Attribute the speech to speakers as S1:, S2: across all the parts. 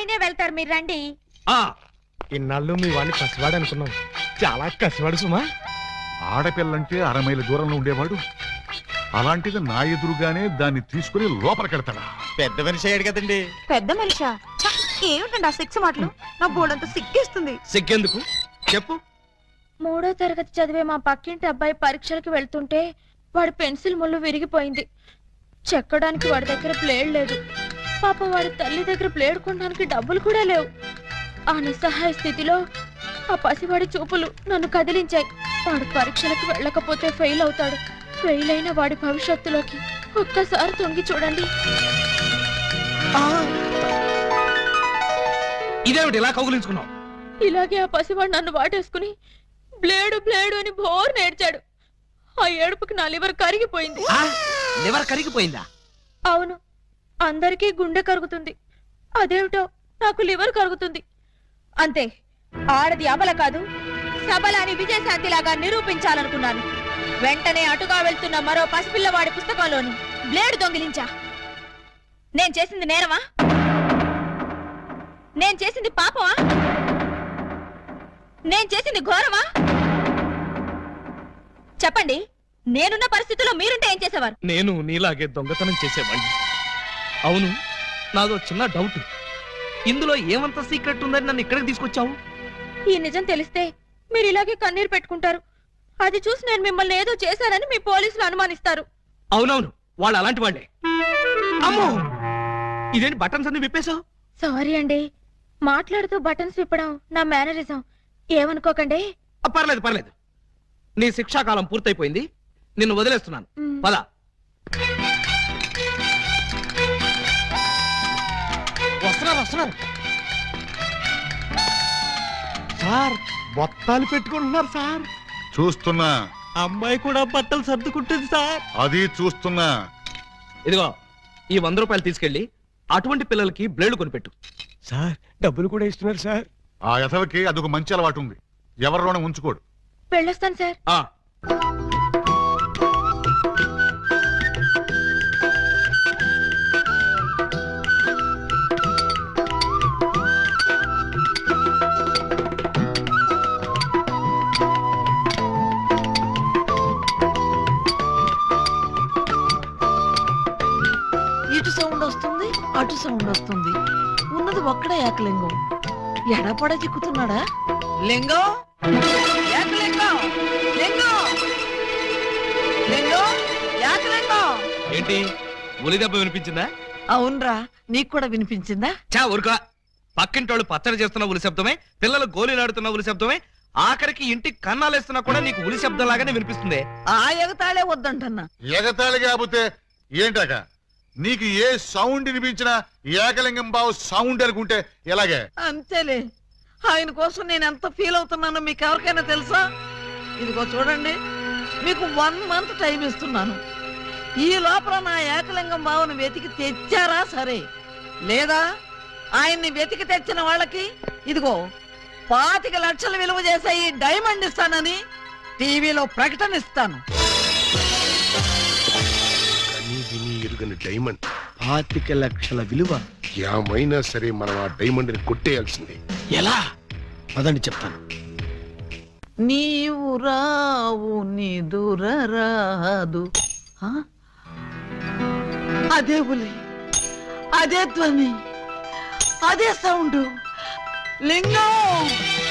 S1: ఆయనే వెళ్తారు, మీరు రండి.
S2: ఇన్నాళ్ళు మీ వాడిని పసివాడు అనుకున్నాం, చాలా కసివాడు సుమా.
S3: ఆడపిల్లంటే 6 మైళ్ళ దూరంలో ఉండేవాడు, అలాంటిది నా ఎదురుగానే దాన్ని తీసుకుని లోపలికెడతాడా?
S4: పెద్ద మనిషి అయ్యాడు కదండి.
S1: పెద్ద మనిషా? ఏమిటండి ఆ సిక్స్ మాటలు? నా బోర్డంతా సిగ్గేస్తుంది.
S2: సిగ్గెందుకు చెప్పు.
S1: 3వ తరగతి చదివే మా పక్కింటి అబ్బాయి పరీక్షలకు వెళ్తుంటే వాడి పెన్సిల్ ముళ్ళు విరిగిపోయింది. చెక్కడానికి వాడి దగ్గర ప్లేడ్ లేదు. పాప వాడి తల్లి దగ్గర ప్లేడ్ కొనడానికి డబ్బులు కూడా లేవు. ఆ నిస్సహాయ స్థితిలో ఆ పసివాడి చూపులు నన్ను కదిలించాయి. వాడు పరీక్షలకు వెళ్ళకపోతే ఫెయిల్ అవుతాడు. ఫెయిల్ అయిన వాడి భవిష్యత్తులోకి ఒక్కసారి తొంగి చూడండి.
S2: ఇదేమిటి ఇలా కౌగులించుకున్నావు?
S1: ఇలాగే ఆ పసివాడు నన్ను వాటేసుకుని బ్లేడు బ్లేడు అని బోర్ నేర్చాడు. ఆ ఏడుపుకి నా లివర్ కరిగిపోయింది.
S2: లివర్ కరిగిపోయిందా?
S1: అవును, అందరికీ గుండె కరుగుతుంది, అదేమిటో నాకు లివర్ కరుగుతుంది. అంతే, ఆడది అబల కాదు సబల అని విజయశాంతిలాగా నిరూపించాలనుకున్నాను. వెంటనే అటుగా వెళ్తున్న మరో పసిపిల్లవాడి పుస్తకంలోని బ్లేడు దొంగిలించా. నేను చేసింది నేరమా? నేను చేసింది పాపమా? నేను చేసింది ఘోరమా? చెప్పండి, నేనున్న పరిస్థితుల్లో మీరుంటే ఏం చేసేవారు?
S2: నేను నీలాగే దొంగతనం చేసేవాడిని. అవును, నాదో చిన్న డౌట్. ఇందులో ఏమంత సీక్రెట్ ఉందని నన్ను ఇక్కడికి తీసుకొచ్చావు?
S1: ఈ నిజం తెలిస్తే మీరు ఇలాగే కన్నీరు పెట్టుకుంటారు. అది చూసి నేను మిమ్మల్ని ఏదో చేశానని మీ పోలీసులు అనుమానిస్తారు.
S2: అవునవును, వాళ్ళు అలాంటి వాళ్ళే. అమ్మో, ఇదేంటి బటన్స్ అన్ని విప్పేశావు?
S1: సారీ అండి, మాట్లాడుతూ బటన్స్ విప్పడం నా మేనరిజం, ఏమనుకోకండి.
S2: పర్లేదు పర్లేదు, నీ శిక్షాకాలం పూర్తయిపోయింది, నిన్ను వదిలేస్తున్నాను. పద. వస్తున్నారు సార్, బొత్తాలు పెట్టుకుంటున్నారు సార్.
S3: చూస్తున్నా.
S2: అమ్మాయి కూడా బట్టలు సర్దుకుంటుంది సార్.
S3: అది చూస్తున్నా.
S2: ఇదిగో, ఈ 100 రూపాయలు తీసుకెళ్లి అటువంటి పిల్లలకి బ్లేడ్ కొనిపెట్టు. సార్, డబ్బులు కూడా ఇస్తున్నారు సార్.
S3: ఆ యథవకి అదొక మంచి అలవాటు ఉంది, ఎవరిలోనే ఉంచుకోడు.
S1: వెళ్ళొస్తాను సార్.
S5: ఇటు సౌండ్ వస్తుంది, అటు సౌండ్ వస్తుంది. ఉన్నది ఒక్కడే ఏకలింగం. ఎడపడ చిక్కుతున్నాడా? లింగం, ఏకలింగం, లింగం, లింగం, ఏకలింగం.
S2: ఏంటి, ఉలి దెబ్బ వినిపించిందా?
S5: అవునరా, నీకు కూడా వినిపించిందా?
S2: చా ఊరుకా. పక్కింటోళ్ళు పచ్చడి చేస్తున్న ఉలి శబ్దమే, పిల్లలు గోళీలాడుతున్న ఉలి శబ్దమే, ఆఖరికి ఇంటికి కన్నాలేస్తున్నా కూడా నీకు ఉలి శబ్దం లాగానే వినిపిస్తుంది.
S5: ఆ ఎగతాళే వద్దంటన్నా.
S3: ఎగతాళి కాకపోతే ఏంటాక? నీకు ఏ సౌండ్ వినిపించినా ఏకలింగం బావు సౌండ్ అనుకుంటే ఎలాగే?
S5: అంతేలే, ఆయన కోసం నేను ఎంత ఫీల్ అవుతున్నానో మీకు ఎవరికైనా తెలుసా? ఇదిగో చూడండి, మీకు 1 మంత్ టైం ఇస్తున్నాను. ఈ లోపల నా ఏకలింగం బావును వెతికి తెచ్చారా సరే, లేదా ఆయన్ని వెతికి తెచ్చిన వాళ్ళకి ఇదిగో 25 లక్షలు విలువ చేసే ఈ డైమండ్ ఇస్తానని టీవీలో ప్రకటన ఇస్తాను.
S6: డైమండ్
S2: 25 లక్షల విలువ.
S6: ఏమైనా సరే మనం ఆ డైమండ్ ని కొట్టేయాల్సిందే.
S2: ఎలా? అదండి చెప్తాను.
S5: నీవు రావు నిదురరాదు. అదే ఉలి, అదే ధ్వని, అదే సౌండ్. లింగం,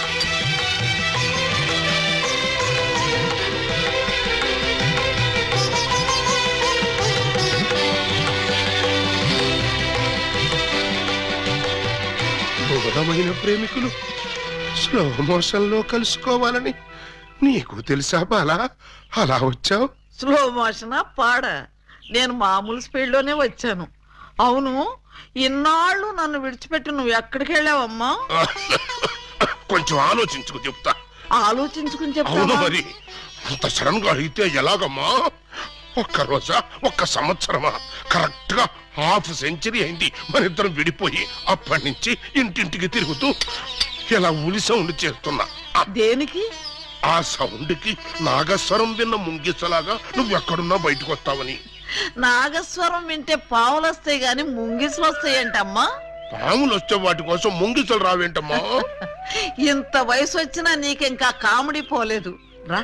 S6: బుధమైన ప్రేమికులు స్లో మోషన్ లో కలుసుకోవాలని నీకు తెలుసా బాలా? అలా వచ్చావు.
S5: స్లో మోషనా పాడ? నేను మామూలు స్పీడ్ లోనే వచ్చాను. అవును, ఇన్నాళ్ళు నన్ను విడిచిపెట్టి నువ్వు ఎక్కడికి వెళ్ళావమ్మా?
S6: కొంచెం ఆలోచించుకు చెప్తా.
S5: ఆలోచించుకుని చెప్తా.
S6: అవును మరి, అంత సడన్ గా అయితే ఎలాగమ్మా? 1 రోజా, 1 సంవత్సరమా? కరెక్ట్ గా ½ సెంచరీ అయింది మన ఇద్దరం విడిపోయి. అప్పటి నుంచి ఇంటింటికి తిరుగుతూ ఇలా ఉలి సౌండ్ చేస్తున్నా.
S5: దేనికి?
S6: ఆ సౌండ్ కి నాగస్వరం విన్న ముంగిసలాగా నువ్వెక్కడున్నా బయటకు వస్తావని.
S5: నాగస్వరం వింటే పావులు వస్తాయి గాని ముంగిసులు వస్తాయంటమ్మా.
S6: పాములు వస్తే వాటి కోసం ముంగిసలు రావేంటమ్మా?
S5: ఇంత వయసు వచ్చినా నీకింకా కామెడీ పోలేదు రా.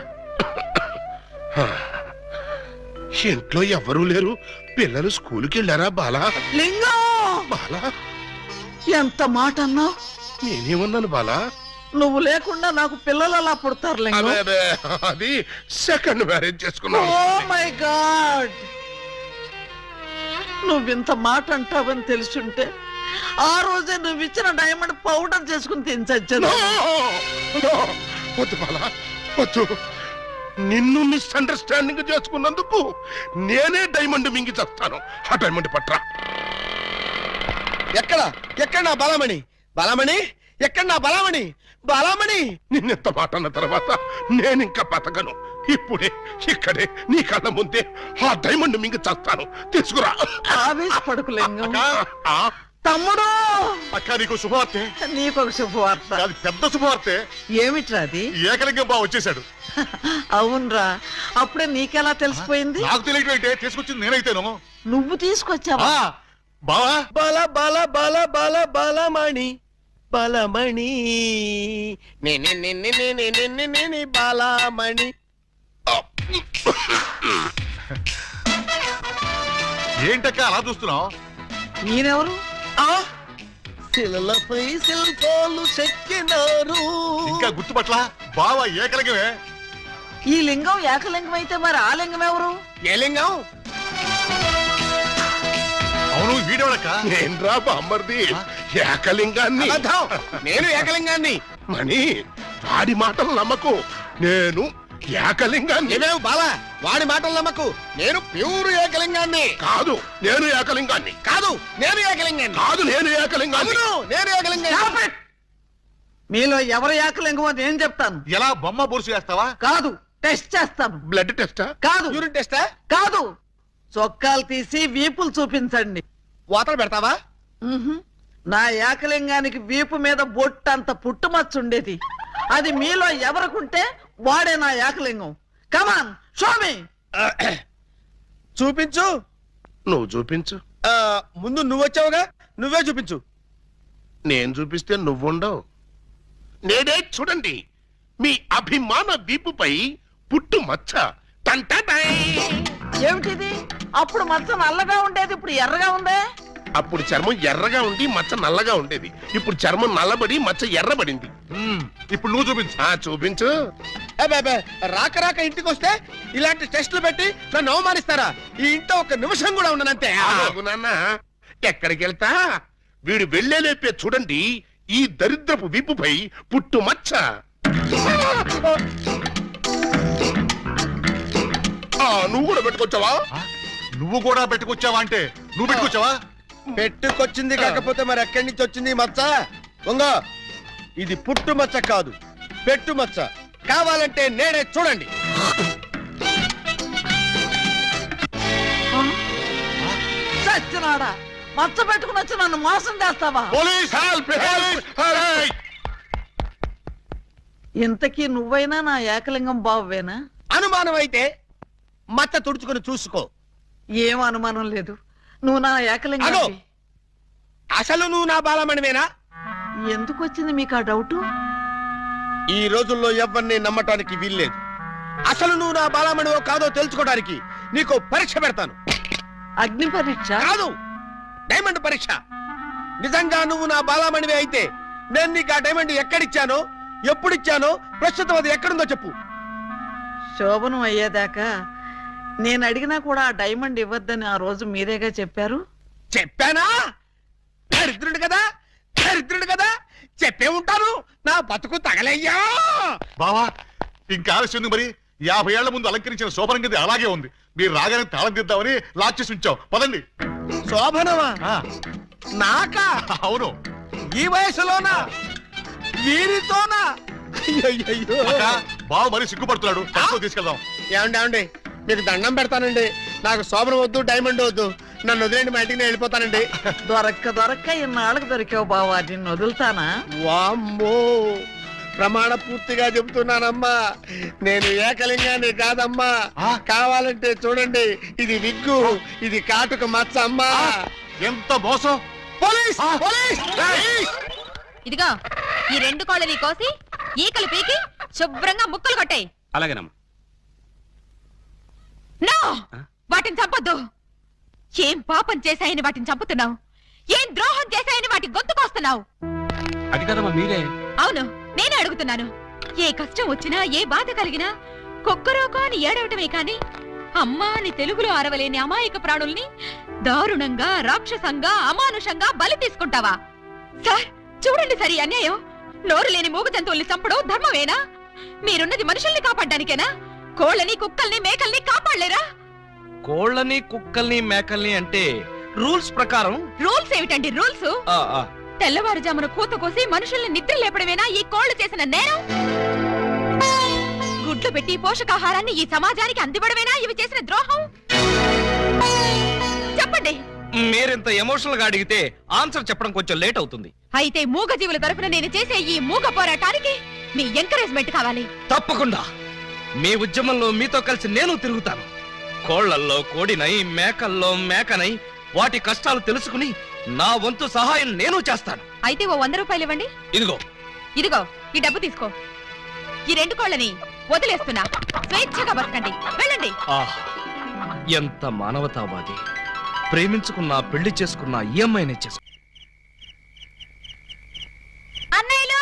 S6: ఇంట్లో ఎవరూ లేరు, పిల్లలు స్కూల్కి వెళ్ళారా బాలా?
S5: లింగం,
S6: బాలా,
S5: ఎంత మాట అన్నావు?
S6: నేనేమన్నాను బాలా?
S5: నువ్వు లేకుండా నాకు పిల్లలు అలా పుడతారు లింగం.
S6: అదే, అది సెకండ్ మ్యారేజ్ చేసుకున్నాను.
S5: ఓ మై గాడ్, నువ్వింత మాట అంటావని తెలుసుంటే ఆ రోజే నువ్వు ఇచ్చిన డైమండ్ పౌడర్ చేసుకుని తినచచ్చాను.
S6: No! వద్దు బాలా, వద్దు. నిన్ను మిస్అండర్స్టాండింగ్ చేసుకున్నందుకు నేనే డైమండ్ మింగి చేస్తాను. ఆ డైమండ్ పట్రా.
S4: ఎక్కడ నా బలమణి? బలమణి ఎక్కడ నా బలమణి? బలమణి
S6: నిన్నెంత మాట అన్న తర్వాత నేనింకా బతకను. ఇప్పుడే ఇక్కడే నీ కళ్ళ ముందే ఆ డైమండ్ మింగి చేస్తాను. తీసుకురా.
S5: ఆవేశపడకు లింగం.
S6: ఆ,
S5: తమ్ముడు,
S3: అక్క నీకు శుభవార్తె.
S5: నీకొక శుభవార్త.
S3: అది పెద్ద శుభవార్తె.
S5: ఏమిట్రా అది?
S3: ఏకలింగం బావ వచ్చేసాడు.
S5: అవునరా, అప్పుడే నీకెలా తెలిసిపోయింది?
S3: నాకు తెలియటం అయితే తీసుకొచ్చింది నేనైతేను.
S5: నువ్వు తీసుకొచ్చావా?
S3: బావా
S4: బల బల బల బల బలమణి బలమణి నేనే బలమణి.
S3: ఏంటక్క అలా చూస్తున్నావు?
S5: నేనెవరు?
S4: శిలలపై శిల్పాలు చెక్కినారు.
S3: ఇంకా గుర్తుపట్ల బావ ఏకలింగమే.
S5: ఈ లింగం ఏకలింగం అయితే మరి ఆ లింగం ఎవరు?
S4: ఏ లింగం?
S3: అవును వీడేవాడక్క.
S6: నేన్రా బామ్మర్ది, ఏకలింగాన్ని.
S4: అబద్ధం. నేను ఏకలింగాన్ని.
S6: మణి, వాడి మాటలు నమ్మకు. నేను ఏకలింగాన్ని.
S4: నీవేవు బాల, వాడి మాటలు నమ్మకు. నేను ప్యూర్ ఏకలింగాన్ని.
S6: కాదు, నేను ఏకలింగాన్ని.
S4: కాదు, నేను ఏకలింగాన్ని.
S6: కాదు, నేను ఏకలింగాన్ని.
S4: అవును, నేను ఏకలింగాన్ని.
S5: Stop it! మీలో ఎవరు ఏకలింగం అని నేను చెప్తాను.
S3: ఎలా బొమ్మ బొరుసు వేస్తావా?
S5: కాదు, టెస్ట్ చేస్తాను.
S6: బ్లడ్ టెస్టా?
S5: కాదు,
S4: యూరిన్ టెస్టా?
S5: కాదు, చొక్కాలు తీసి వీపులు చూపించండి.
S4: వాతలు పెడతావా?
S5: మ్మ్హ్మ్. నా ఏకలింగానికి వీపు మీద బొట్టంత పుట్టుమచ్చ ఉండేది. అది మీలో ఎవరికుంటే వాడే నా ఏకలింగం. కమాన్, షో మీ.
S4: చూపించు.
S6: నువ్వు చూపించు.
S4: ముందు నువ్వు వచ్చావుగా, నువ్వే చూపించు.
S6: నేను చూపిస్తే నువ్వుండవు. నేనే చూడండి, మీ అభిమాన వీపుపై పుట్టు మచ్చ. టంటటై.
S5: ఏమిటిది? అప్పుడు మచ్చ నల్లగా ఉండేది, ఇప్పుడు ఎర్రగా ఉందే.
S6: అప్పుడు చర్మం ఎర్రగా ఉండి మచ్చ నల్లగా ఉండేది. ఇప్పుడు చర్మం నల్లబడి మచ్చ ఎర్రబడింది.
S3: ఇప్పుడు నువ్వు చూపించు.
S6: చూపించు.
S4: రాక రాక ఇంటికి వస్తే ఇలాంటి టెస్టులు పెట్టి నన్ను అవమానిస్తారా? ఈ ఇంట్లో ఒక నిమిషం కూడా ఉండనంతే.
S6: ఆగు నాన్న, ఎక్కడికి వెళ్తా? వీడు వెళ్ళేలేపే చూడండి ఈ దరిద్రపు వీపుపై పుట్టు మచ్చ. నువ్వు కూడా పెట్టుకొచ్చావా?
S3: నువ్వు కూడా పెట్టుకొచ్చావా అంటే నువ్వు పెట్టుకొచ్చావా?
S4: పెట్టుకొచ్చింది కాకపోతే మరి ఎక్కడి నుంచి వచ్చింది ఈ మచ్చ? ఉంగో, ఇది పుట్టు మచ్చ కాదు, పెట్టు మచ్చ. కావాలంటే నేనే చూడండి.
S5: చచ్చినాడా, మచ్చ పెట్టుకుని వచ్చి నన్ను మోసం చేస్తావా?
S3: Police help! హెల్ప్!
S5: ఇంతకీ నువ్వైనా నా ఏకలింగం బావేనా?
S4: అనుమానం అయితే మచ్చ తుడుచుకొని చూసుకో.
S5: ఏం అనుమానం లేదు, నువ్వు నా ఏకలింగం.
S4: అగో, అసలు నువ్వు నా బాలమణివేనా?
S5: ఎందుకు వచ్చింది మీకు ఆ డౌటు?
S4: ఈ రోజుల్లో ఎవరిని నమ్మటానికి వీల్లేదు. అసలు నువ్వు నా బాలమణివో కాదో తెలుసుకోవడానికి నీకు పరీక్ష పెడతాను.
S5: అగ్ని పరీక్ష?
S4: కాదు, డైమండ్ పరీక్ష. నిజంగా నువ్వు నా బాలమణివే అయితే నేను నీకు ఆ డైమండ్ ఎక్కడిచ్చానో, ఎప్పుడిచ్చానో, ప్రస్తుతం అది ఎక్కడుందో చెప్పు.
S5: శోభనం అయ్యేదాకా నేను అడిగినా కూడా ఆ డైమండ్ ఇవ్వద్దని ఆ రోజు మీరేగా చెప్పారు.
S4: చెప్పానా? దరిద్రుడు కదా, దరిద్రుడు కదా, చెప్పే ఉంటాను. నా బతుకు తగలయ్యా.
S3: బావా ఇంకా ఆలస్యం ఉంది. మరి 50 ఏళ్ల ముందు అలంకరించిన శోభనం గది అలాగే ఉంది. మీరు రాగానే తాళం తీద్దామని లాక్ చేసి ఉంచాం. పదండి.
S4: శోభనమా?
S3: ఆ,
S4: నాకా?
S3: అవును.
S4: ఈ వయసులోనా? వీరితోనా? అయ్యయ్యో.
S3: అక్క, బావ మరి సిగ్గుపడుతున్నాడు. తనతో తీసుకెళ్దాం.
S4: ఏమండి, మీకు దండం పెడతానండి. నాకు శోభనం వద్దు, డైమండ్ వద్దు. నన్ను వదిలేండి, మా ఇంటికి నేను వెళ్ళిపోతానండి.
S5: దొరక్క ఇన్నాళ్ళకి దొరికావు బావా, నిన్ను వదులుతానా?
S4: వామ్మో, ప్రమాణ పూర్తిగా చెబుతున్నానమ్మా, నేను ఏకలింగాన్ని కాదమ్మా. కావాలంటే చూడండి, ఇది విగ్గు, ఇది కాటుక మచ్చ అమ్మా.
S3: ఎంత మోసం!
S4: పోలీస్ పోలీస్
S1: ఇదిగో ఈ 2 కోళ్ళని కోసి ఈకలు పీకి శుభ్రంగా ముక్కలు కొట్టాయి.
S2: అలాగేనమ్మా.
S1: నో, వాటిని చంపొద్దు. ఏం పాపం చేశాయని వాటిని చంపుతున్నావు? ఏం ద్రోహం చేశాయని వాటి గొంతుకొస్తున్నావు?
S2: అది కదమ్మా మీరే.
S1: అవును, నేనే అడుగుతున్నాను. ఏ కష్టం వచ్చినా ఏ బాధ కలిగినా కొక్కరోకో అని ఏడవటమే కాని అమ్మా అని తెలుగులో అరవలేని అమాయక ప్రాణుల్ని దారుణంగా, రాక్షసంగా, అమానుషంగా బలి తీసుకుంటావా? సార్ చూడండి, సరి అన్యాయం. నోరు లేని మూగ జంతువుల్ని చంపడం ధర్మమేనా? మీరున్నది మనుషుల్ని కాపాడ్డానికేనా? కోళ్ళని, కుక్కల్ని, మేకల్ని కాపాడలేరా?
S2: కోళ్ళని, కుక్కల్ని, మేకల్ని అంటే రూల్స్ ప్రకారం.
S1: రూల్స్ ఏమిటండి రూల్స్? తెల్లవారుజామున కూత కోసి మనుషుల్ని నిద్ర లేపడమేనా ఈ కోళ్లు చేసిన నేరం? గుడ్లు పెట్టి పోషకాహారాన్ని ఈ సమాజానికి అందివ్వడమేనా ఇవి చేసిన ద్రోహం? చెప్పండి.
S2: మీరింత ఎమోషనల్ గా అడిగితే ఆన్సర్ చెప్పడం కొంచెం లేట్ అవుతుంది.
S1: అయితే మూగ జీవుల తరఫున నేను చేసే ఈ మూగ పోరాటానికి మీ ఎంకరేజ్మెంట్ కావాలి.
S2: తప్పకుండా మీ ఉద్యమంలో మీతో కలిసి నేను తిరుగుతాను. కోళ్లల్లో కోడినై, మేకల్లో మేకనై వాటి కష్టాలు తెలుసుకుని నా వంతు సహాయం నేను చేస్తాను.
S1: అయితే ఓ 100 రూపాయలు ఇవ్వండి.
S2: ఇదిగో.
S1: ఇదిగో ఈ డబ్బు తీసుకో. ఈ 2 కోళ్ళని వదిలేస్తున్నా. స్వేచ్ఛగా బతకండి, వెళ్ళండి.
S2: ఎంత మానవతావాది. ప్రేమించుకున్నా, పెళ్లి చేసుకున్నా ఈ అమ్మాయినే చేసుకు.
S1: అన్నయ్యలు,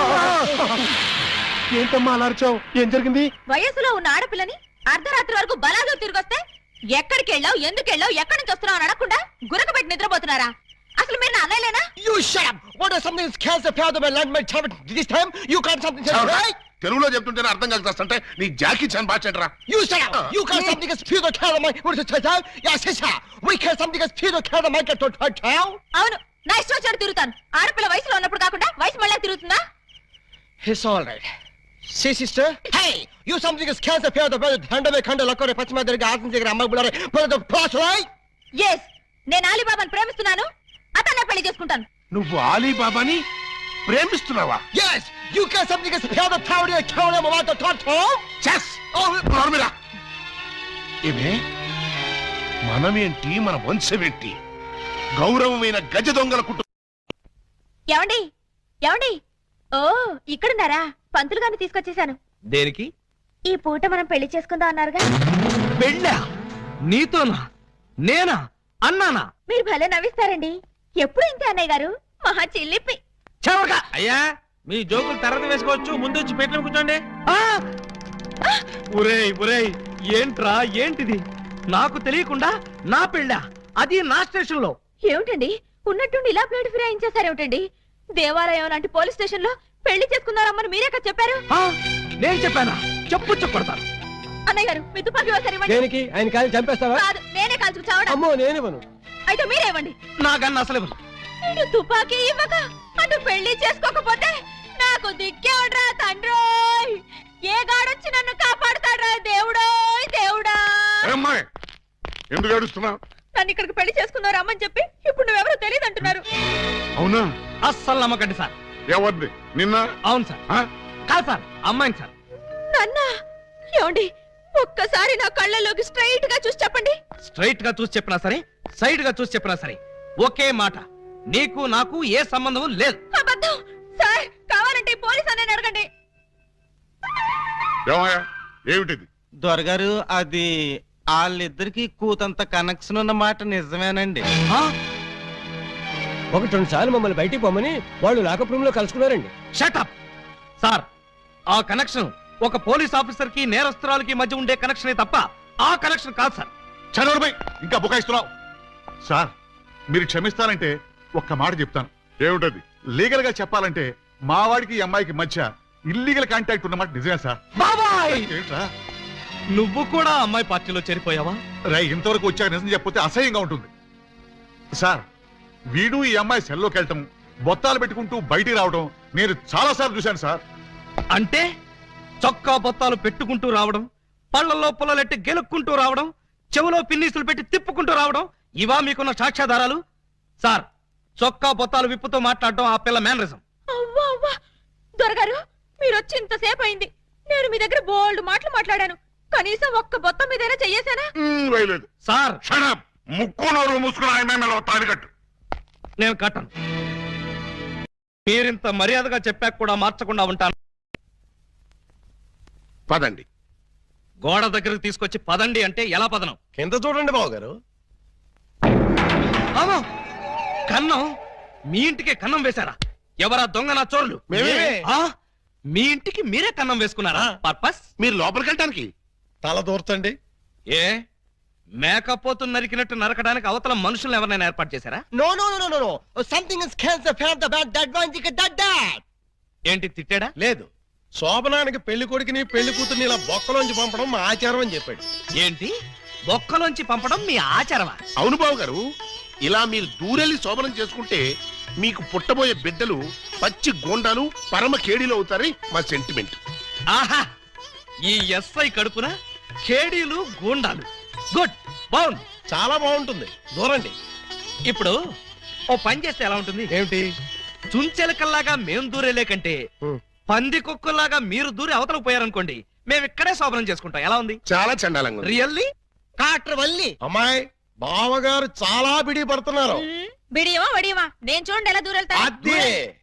S4: ఏంటమ్మా అలా అరిచావు? ఏం జరిగింది?
S1: వయసులో ఉన్న ఆడపిల్లని అర్ధరాత్రి వరకు బలాదు తిరిగొస్తే ఎక్కడికి వెళ్ళావు, ఎందుకు వెళ్ళావు, ఎక్కడి నుంచి వస్తున్నావు అని అడగకుండా గురకబెట్టి నిద్రపోతున్నారా? అసలు మీరు నా అన్నయ్యలేనా?
S4: You shut up! What is something that scares the power of my land, my child? This time you can't something right?
S6: తెలుగులో చెప్తుంటేనే అర్థం కలిసి నీ జాకీ చాన్ బాచెట్రా.
S4: You shut up! You can't something that speed the car of my what is it? Yes, yes, sir. We can't something that speed the car of my get to town.
S1: అవును, నా ఇష్టం వచ్చాడు తిరుగుతాను. ఆడపిల్ల వయసులో ఉన్నప్పుడు కాకుండా వయసు మళ్ళీ తిరుగుతుందా?
S4: It's all right. See, sister? Hey! You something that scares the power of the brother. Hand away, hand away, పశ్చిమ దగ్గర ఆసం దగ్గర అమ్మాయి బులారే. But the plus, right?
S1: Yes, నేను అలీబాబాను ప్రేమిస్తున్నాను. అతన్నే పెళ్లి చేసుకుంటాను.
S6: నువ్వు ఆలీబాబాని ప్రేమిస్తున్నావా?
S4: Yes! You can't something that power the power of the town of my town.
S6: చెస్ నోర్మిరా. ఇవే మనమేంటి, మన వంశమేంటి? గౌరవమైన గజ దొంగల కుటుంబం.
S1: ఏమండి ఏమండి, ఓ ఇక్కడున్నారా? పంతులు గారిని తీసుకొచ్చేసాను.
S2: దేనికి?
S1: ఈ పూట మనం పెళ్లి చేసుకుందాం అన్నారుగా.
S2: పెళ్ళా? నీతోనా? నేనా? అన్నానా?
S1: మీరు భలే నవ్విస్తారండి. ఎప్పుడు ఇంతే అన్నయ్య గారు, మహా చిల్లిపి.
S2: చెవరగా అయ్యా, మీ జోకులు తర్వాత వేసుకోవచ్చు, ముందు వచ్చి పెట్టిన కూర్చోండి. ఒరేయ్ ఒరేయ్, ఏంట్రా ఏంటిది? నాకు తెలియకుండా నా పెళ్ళా, అది నా స్టేషన్ లో.
S1: ఏమిటండి ఉన్నట్టుండి ఇలా ప్లేట్ ఫిరాయించేసారేమిటండి? దేవాలయం లాంటి పోలీస్ స్టేషన్ లో పెళ్లి చేసుకున్నారమ్మని మీరే కదా చెప్పారు.
S2: నేను చెప్పానా? చెప్పు చెప్పడతాను.
S1: అన్నయ్య గారు మీ తుపాకీ ఒకసారి ఇవ్వండి.
S4: దేనికి? ఆయన కాలి చంపేస్తావా?
S1: కాదు, నేనే కాల్చుకు చావడం.
S4: అమ్మో, నేనివ్వను.
S1: అయితే మీరే ఇవ్వండి.
S2: నాకన్నా అసలు ఇవ్వను.
S1: ఇటు తుపాకీ ఇవ్వక అటు పెళ్లి చేసుకోకపోతే నాకు దిక్కేవడ్రా తండ్రోయ్. ఏ గాడొచ్చి నన్ను కాపాడుతాడ్రా దేవుడోయ్ దేవుడా.
S6: అమ్మాయి ఎందుకు ఏడుస్తున్నావు?
S1: నన్ను ఇక్కడికి పెళ్లి చేసుకున్నారు అమ్మని చెప్పి ఇప్పుడు నువ్వెవరో తెలియదు అంటున్నారు.
S6: అవునా?
S2: అస్సలు నమ్మకండి సార్.
S6: ఎవరిది? నిన్న?
S2: అవును సార్. కాదు సార్, అమ్మాయిని సార్.
S1: నాన్న ఏమండి, ఒక్కసారి నా కళ్ళలోకి స్ట్రైట్ గా చూసి చెప్పండి.
S2: స్ట్రైట్ గా చూసి చెప్పినా సరే, సైడ్ గా చూసి చెప్పినా సరే ఒకే మాట, నీకు నాకు ఏ సంబంధం లేదు.
S1: అబద్ధం సార్. కావాలంటే పోలీస్ అనే అడగండి.
S3: ఏమయ్యా, ఏమిటిది?
S7: దొరగారు, అది వాళ్ళిద్దరికి కూతంత కనెక్షన్ ఉన్న మాట నిజమేనండి.
S4: 1-2 సార్లు మమ్మల్ని బయటికి పోమని వాళ్ళు లాకప్ రూమ్ లో కలుసుకున్నారండి.
S2: Shut up sir. ఆ కనెక్షన్ ఒక పోలీస్ ఆఫీసర్ కి నేరస్తురాలకి మధ్య ఉండే కనెక్షనే తప్ప ఆ కనెక్షన్ కాదు సార్.
S3: చదవడమై ఇంకా బుకాయిస్తున్నావు. సార్, మీరు క్షమిస్తారంటే ఒక్క మాట చెప్తాను. ఏమిటది? లీగల్ గా చెప్పాలంటే మా వాడికి ఈ అమ్మాయికి మధ్య ఇల్లీగల్ కాంటాక్ట్ ఉన్నమాట నిజమే సార్.
S2: బాబాయ్,
S3: ఏంట్రా
S2: నువ్వు కూడా అమ్మాయి పార్టీలో చేరిపోయావా?
S3: రై, ఇంతవరకు వచ్చాక నిజం చెప్పితే అసహ్యంగా ఉంటుంది సార్. వీడు ఈ అమ్మాయి సెల్లోకి వెళ్ళటం, బొత్తాలు పెట్టుకుంటూ బయటికి రావడం నేను చాలా సార్లు చూశాను సార్.
S2: అంటే చొక్కా బొత్తాలు పెట్టుకుంటూ రావడం, పళ్ళల్లో పుల్లలెట్టి గెలుక్కుంటూ రావడం, చెవులో పిన్నీసులు పెట్టి తిప్పుకుంటూ రావడం, ఇవా మీకున్న సాక్ష్యాధారాలు? సార్, చొక్కా బొత్తాలు విప్పుతూ మాట్లాడటం ఆ పిల్ల మేనరిజం.
S1: అవ్వా అవ్వా, దొరగారు మీరు వచ్చి ఇంతసేపు అయింది. నేను మీ దగ్గర బోల్డ్ మాటలు మాట్లాడాను. కనీసం ఒక్క బొత్తం మీదైనా చెయ్యేశానా?
S6: వేయలేదు
S2: సార్.
S6: షడప్. ముక్కు నోరు మూసుకుని ఆయన తాలికట్టు.
S2: నేను కట్టను. మీరింత మర్యాదగా చెప్పాక కూడా మార్చకుండా ఉంటాను.
S6: పదండి.
S2: గోడ దగ్గరకు తీసుకొచ్చి పదండి అంటే ఎలా పదనం?
S4: కింద చూడండి బాబు గారు.
S2: అమ్మో! కన్నం? మీ ఇంటికే కన్నం వేశారా? ఎవరా దొంగ నా చోరులు?
S4: మేమే.
S2: ఆ? మీ ఇంటికి మీరే కన్నం వేసుకున్నారా? పర్పస్?
S6: మీరు లోపలికి వెళ్ళటానికి
S4: తల దూర్తండి.
S2: ఏ మేకపోతు నరికినట్టు నరకడానికి అవతల మనుషులు ఎవరైనా ఏర్పాటు చేశారా?
S4: No no no no no something is cancer for the bad that one dick that that.
S2: ఏంటి తిట్టాడా?
S4: లేదు, శోభనానికి పెళ్లి కొడుకుని పెళ్లి కూతుర్ని ఇలా బొక్కలోంచి పంపడం మా ఆచారం అని చెప్పాడు.
S2: ఏంటి బొక్కలోంచి పంపడం మీ ఆచారమా?
S6: అవును బాబు గారు, ఇలా మీరు దూరెళ్ళి శోభనం చేసుకుంటే మీకు పుట్టబోయే బిడ్డలు పచ్చి గోండాలు పరమ కేడీలు అవుతారని మా సెంటిమెంట్.
S2: ఆహా! ఈ ఎస్ఐ కడుపున ఖేడీలు గూండాలు. గుడ్, బాగుంది,
S4: చాలా బాగుంటుంది. దూరండి.
S2: ఇప్పుడు ఓ పని చేస్తే ఎలా ఉంటుంది?
S4: ఏమిటి?
S2: చుంచెలకల్లాగా మేం దూరేలే కంటే పంది కుక్కల్లాగా మీరు దూరి అవతలకు పోయారనుకోండి, మేము ఇక్కడే శోభనం చేసుకుంటాం. ఎలా ఉంది?
S6: చాలా చండాలంగా ఉంది.
S2: రియల్లీ?
S4: కాట్ర వల్లి అమ్మాయి బావగారు చాలా బిడి పడుతున్నారు.
S1: బిడియమా వడియమా నేను చూడండి ఎలా దూరెళ్తా.
S4: అదే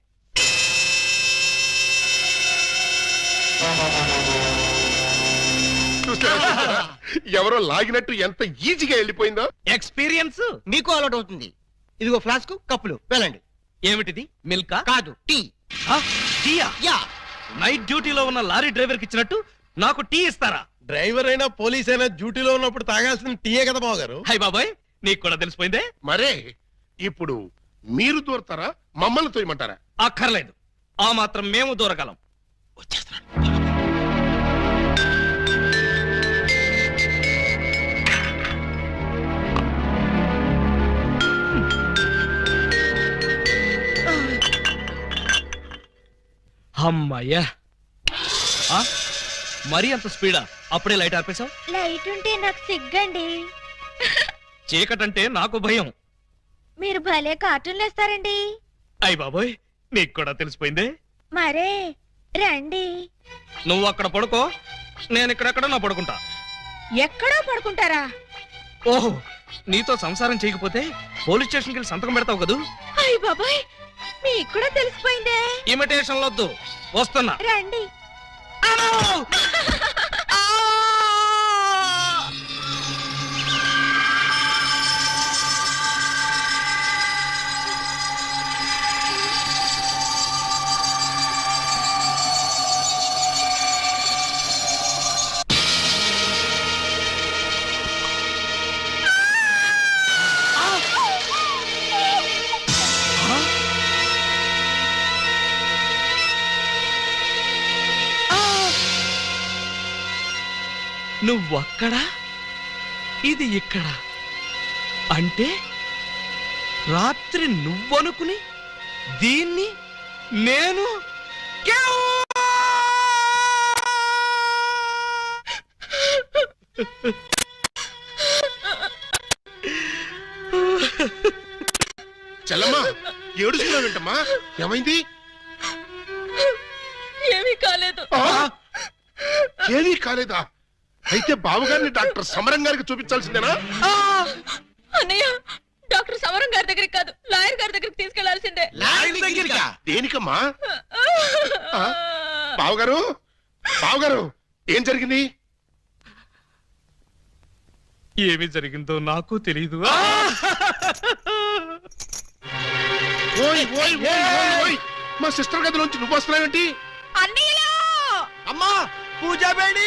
S6: చూస్తారా? ఎవరో లాగినట్టు ఎంత ఈజీగా వెళ్ళిపోయిందో.
S2: ఎక్స్పీరియన్స్
S8: మీకు అలవాటు అవుతుంది. ఇదిగో ఫ్లాస్క్ కప్పులు వెళ్ళండి.
S2: ఏమిటిది? మిల్కా?
S8: కాదు, టీ.
S2: టీయా?
S8: యా.
S2: నైట్ డ్యూటీలో ఉన్న లారీ డ్రైవర్ కి ఇచ్చినట్టు నాకు టీ ఇస్తారా?
S4: డ్రైవర్ అయినా పోలీస్ అయినా డ్యూటీలో ఉన్నప్పుడు తాగాల్సిన టీయే కదా బావగారు.
S2: హై బాబాయ్, నీకు కూడా తెలిసిపోయిందే.
S6: మరే ఇప్పుడు మీరు దూరతారా, మమ్మల్ని తోయమంటారా?
S2: అక్కర్లేదు, ఆ మాత్రం మేము దూరగలం. అమ్మయ్యా! ఆ? మరీ అంత స్పీడా? అప్పుడే లైట్ ఆర్పేశావు?
S1: లైట్ ఉంటే నాకు సిగ్గండి.
S2: చీకటంటే నాకు భయం.
S1: మీరు భలే కార్టూన్లు వేస్తారండి.
S2: అయ్ బాబోయ్, నీకు కూడా తెలిసిపోయిందే.
S1: మరే రండి.
S2: నువ్వు అక్కడ పడుకో, నేను ఇక్కడెక్కడ నా పడుకుంటా.
S1: ఎక్కడో పడుకుంటారా?
S2: ఓహో, నీతో సంసారం చేయకపోతే పోలీస్ స్టేషన్కి వెళ్ళి సంతకం పెడతావు కదూ.
S1: అయ్య బాబాయ్, మీకు కూడా తెలిసిపోయిందే.
S2: ఇమిటేషన్ వద్దు, వస్తున్నా.
S1: రండి.
S2: నువ్వక్కడ, ఇది ఇక్కడ. అంటే రాత్రి నువ్వనుకుని దీన్ని నేను
S6: చెల్లమ్మా, ఏడుస్తున్నావేంటమ్మా? ఏమైంది?
S1: ఏమీ కాలేదు.
S6: ఏమీ కాలేదా? అయితే బావగారిని డాక్టర్ సమరం గారికి చూపించాల్సిందేనా?
S1: అన్నయ్య, డాక్టర్ సమరం గారి దగ్గరికి కాదు, లాయర్ గారి దగ్గరికి తీసుకెళ్లాల్సిందే.
S6: దేనికమ్మా? బావగారు, బావగారు, ఏం జరిగింది?
S2: ఏమి జరిగిందో నాకు తెలీదు.
S6: ఓయ్ ఓయ్ ఓయ్ ఓయ్ ఓయ్, మా సిస్టర్ గదిలోంచి నువ్వు వస్తున్నావేంటి?
S1: అన్నయ్యలో
S4: అమ్మా పూజా బేడి,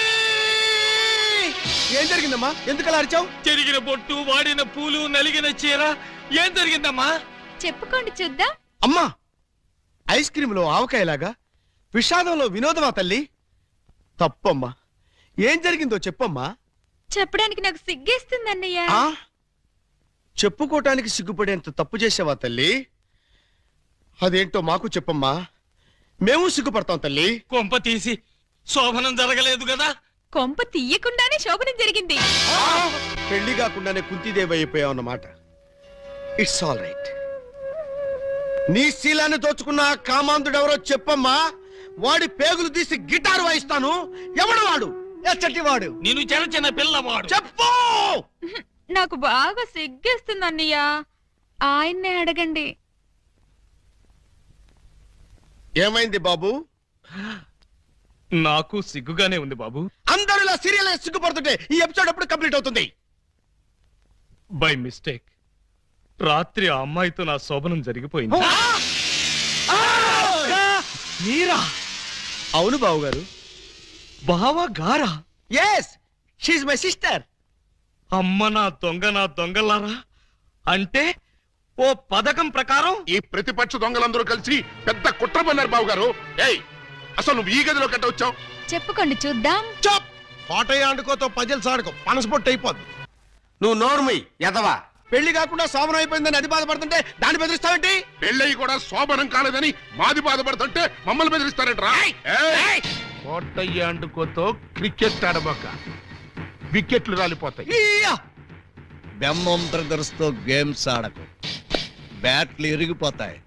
S4: ఏం జరిగిందమ్మా? ఎందుకు అలా అరిచావు?
S2: చెరిగిన బొట్టు, వాడిన పూలు, నలిగిన చీర. ఏం జరిగిందమ్మా?
S1: చెప్పుకోండి చూద్దాం.
S4: అమ్మా, ఐస్ క్రీమ్ లో ఆవకాయలాగా విషాదంలో వినోదమా తల్లి? తప్పమ్మా, ఏం జరిగిందో చెప్పమ్మా.
S1: చెప్పడానికి నాకు సిగ్గేస్తుంది అన్నయ్య.
S4: ఆ చెప్పుకోటానికి సిగ్గుపడేంత తప్పు చేసావా తల్లి? అదేంటో మాకు చెప్పమ్మా, మేము సిగ్గుపడతాం తల్లి.
S2: కొంప తీసి శోభనం జరగలేదు కదా?
S1: కొంప తీయకుండానే శోభనం జరిగింది.
S4: పెళ్లి కాకుండానే కుంతిదేవి అయిపోయావు అన్నమాట. It's all right. నీ శీలాన్ని దోచుకున్న ఆ కామాంధుడెవరో చెప్పమ్మా. వాడి పేగులు తీసి గిటారు వాయిస్తాను. ఎవడు వాడు? ఎచ్చటి వాడు?
S2: నేను చిన్న చిన్న పిల్లవాడు.
S4: చెప్పు.
S1: నాకు బాగా సిగ్గేస్తుంది అన్నయ్య. ఆయన్నే అడగండి.
S4: ఏమైంది బాబు?
S2: నాకు సిగ్గుగానే ఉంది బాబు.
S4: అందరూ ఇలా సీరియల్ సిగ్గుపడుతుంటే ఈ ఎపిసోడ్ ఎప్పుడు కంప్లీట్ అవుతుంది?
S2: బై మిస్టేక్ రాత్రి ఆ అమ్మాయితో నా శోభనం జరిగిపోయింది. మీరా?
S8: అవును బావు గారు.
S2: బావా గారా?
S8: Yes, she my sister.
S2: అమ్మ నా దొంగలారా, అంటే ఓ పథకం ప్రకారం
S6: ఈ ప్రతిపక్ష దొంగలందరూ కలిసి పెద్ద కుట్ర పన్నారు బాబు గారు. ఏయ్, అసలు నువ్వు ఈ గదిలో కట్ట వచ్చావు?
S1: చెప్పుకోండి చూద్దాం.
S4: చాప్! కోటయ్య ఆడుకోతో పజిల్స్ ఆడుకో, పనసపొట్టు అయిపోద్ది. నువ్వు నోర్మి ఎదవా. పెళ్లి కాకుండా శోభనం అయిపోయిందని అది బాధపడుతుంటే దాన్ని బెదిరిస్తావేంటి?
S6: పెళ్ళయి కూడా శోభనం కాలేదని మాది బాధపడుతుంటే మమ్మల్ని బెదిరిస్తారంటరా? కోటయ్య అండుకోతో క్రికెట్ ఆడబోక, వికెట్లు రాలిపోతాయి.
S4: బెమ్మం బ్రదర్స్ తో గేమ్స్ ఆడకు, బ్యాట్లు ఇరిగిపోతాయి.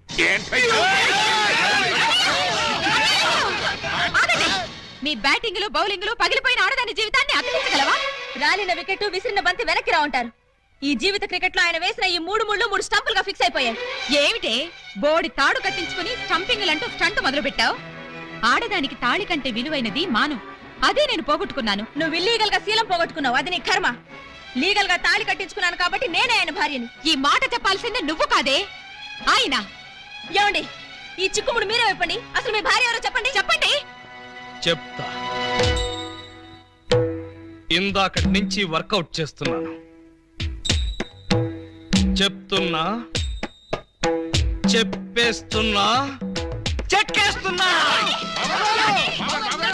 S1: మీ బ్యాటింగ్ లో బౌలింగ్ లో పగిలిపోయిన ఆడదాని జీవితాన్ని అతికించగలవా? రాలిన వికెట్ విసిరిన బంతి వెనక్కి రా ఉంటారు. ఈ జీవిత క్రికెట్ లో ఆయన వేసిన ఈ 3 ముళ్ళు 3 స్టంపులుగా ఫిక్స్ అయిపోయాయి. ఏమిటే బోడి తాడు కట్టించుకుని స్టంపింగ్లంటూ స్టంట్ మొదలు పెట్టావు? ఆడదానికి తాళి కంటే విలువైనది మాను. అదే నేను పోగొట్టుకున్నాను. నువ్వు ఇల్లీగల్ గా శీలం పోగొట్టుకున్నావు, అది నీ కర్మ. లీగల్ గా తాళి కట్టించుకున్నాను కాబట్టి నేనే ఆయన భార్యని. ఈ మాట చెప్పాల్సిందే నువ్వు కాదే ఆయన. ఏమండి, ఈ చిక్కుముడు మీరే చెప్పండి. అసలు మీ భార్య ఎవరో చెప్పండి. చెప్పండి.
S2: చెప్తా. ఇందాకటి నుంచి వర్కౌట్ చేస్తున్నాను. చెప్తున్నా, చెప్పేస్తున్నా, చెక్కేస్తున్నా.